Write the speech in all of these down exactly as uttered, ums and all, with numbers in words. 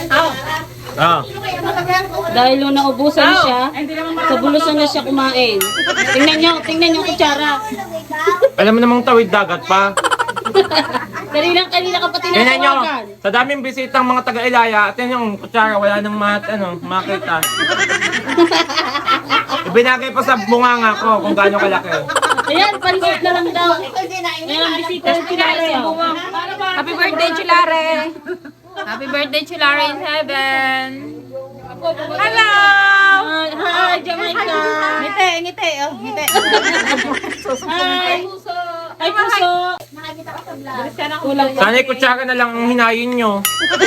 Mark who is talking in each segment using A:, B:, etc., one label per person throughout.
A: Ah.
B: Dahil nung naubusan siya, sa bulusan na siya kumain. Tingnan nyo, tingnan nyo kutsara.
A: Alam mo namang tawid dagat pa.
B: Kanina, kanina ka pa
A: Tingnan nyo,
B: tinatawagan.
A: sa daming bisitang mga taga-Ilaya, at yun yung kutsara, wala nang mat, ano, makita. Ibinagay pa sa bunganga ko kung gaano kalaki.
B: Ayan, pansit na lang daw. Ayan, bisita ng Chilare.
C: Happy birthday, Chilare! Happy birthday, Chilare in heaven! Hello!
B: Hi, hi, Jamaica.
C: Ngiti, ngiti, oh, ngiti.
B: Hi. Ay, puso. Kulang pa.
A: Sana yung kutsara na lang ang hinayin nyo.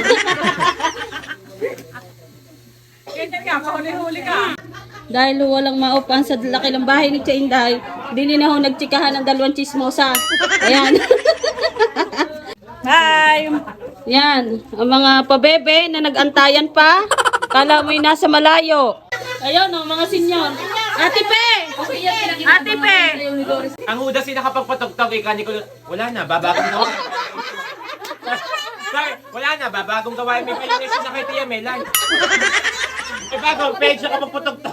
B: Dahil walang maupan sa laki ng bahay ni Chainday, dili na ho nagtsikahan ng dalawang chismosa. Ayan.
C: Hi!
B: Yan, ang mga pabebe na nagantayan pa. Kala mo'y nasa malayo. Ayun, oh, mga sinyon. Ate Pe! Ate Pe!
A: Ang hudas yung nakapagpatugtog, ika ni ko, wala na, babagong gawa. Sorry, wala na, babagong gawa. May palinis na kay Tia Melan. May bagong page na kapagpatugtog.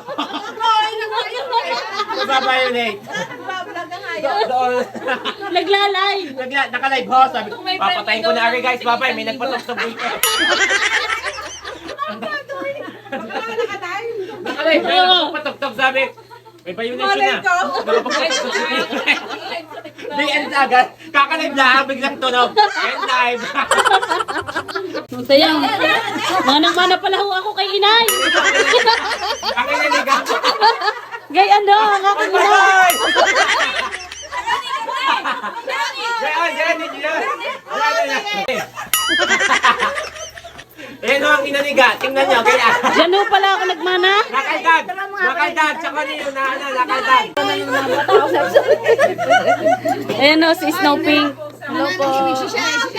A: Mababayonate. Doon.
B: Naglalay.
A: Nagla, naka-live ho, sabi ko, papatayin ko na ari guys, babay, may nagpatugtog dito. Naka-live, may nagpatugtog, sabi, may violation na. Nakapagpatugtog si Tito. Di end agad, kaka-live lang, biglang tunog. End live.
B: Sayang. Manang-mana pala ho ako kay inay.
A: Ang inaligang.
B: Gay ano, ang aking inay.
A: Gayon, gayon, hindi yun. Wala na na. Ayan o ang inaniga, tingnan nyo, kaya.
B: Yan ho pala ako nagmana.
A: Lakaldag, lakaldag, tsaka niyo na ano, lakaldag.
B: Ayan o, si Snow Pink.
C: Hello po.